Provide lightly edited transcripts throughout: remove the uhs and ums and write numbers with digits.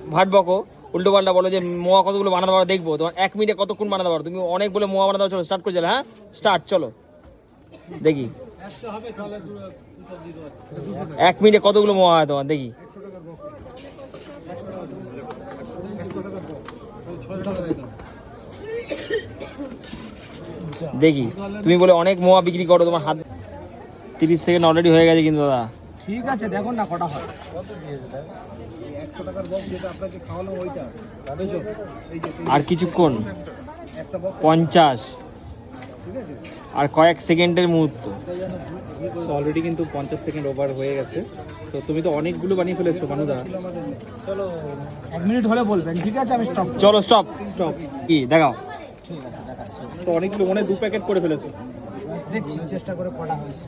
ভাট বকো, উল্টো পাল্টা বলো যে মোয়া কতগুলো বানাতে পারো দেখবো, তোমার 1 মিনিটে কতক্ষণ বানাতে পারো, তুমি অনেক বলে মোয়া বানাতে পারো। চলো স্টার্ট করে চলো, হ্যাঁ স্টার্ট, চলো দেখি 1 মিনিটে কতগুলো মোয়া হয় তোমার, দেখি। দেখি, তুমি বলে অনেক মোয়া বিক্রি করো, তোমার হাত 30 সেকেন্ড অলরেডি হয়ে গেছে কিন্তু দাদা। ঠিক আছে, দেখুন না কটা হয়। 100 টাকার বক্স যেটা আপনাকে খাওয়ানো ওইটা। আর কিছুক্ষণ, 50 আর কয়েক সেকেন্ডের মুহূর্ত। অলরেডি কিন্তু 50 সেকেন্ড ওভার হয়ে গেছে। তো তুমি তো অনেকগুলো বানিয়ে ফেলেছো মানুদা। চলো 1 মিনিট হলে বলবেন, ঠিক আছে আমি স্টপ। চলো স্টপ। স্টপ। কি দেখাও, ঠিক আছে দেখাচ্ছি। তো অনেকগুলো, মনে হয় 2 প্যাকেট করে ফেলেছো। দেখছি চেষ্টা করে কটা হয়েছে।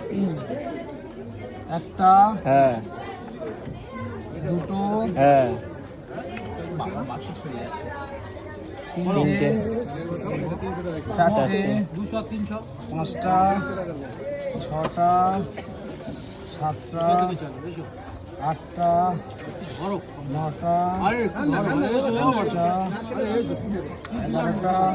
একটা, হ্যাঁ দুটো, হ্যাঁ, বাকি ছড়িয়ে যাচ্ছে। তিনটে, চারটে, 200, 300, 5টা, 6টা, 7টা, 8টা, 9টা, 10টা, 11টা,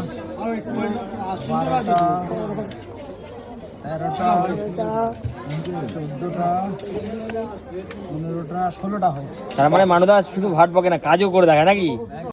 12টা, 13টা, 14টা, 15টা, 16টা হয়েছে। তার মানে মানুদা শুধু ভাট বকে না, কাজও করে দেখায় নাকি?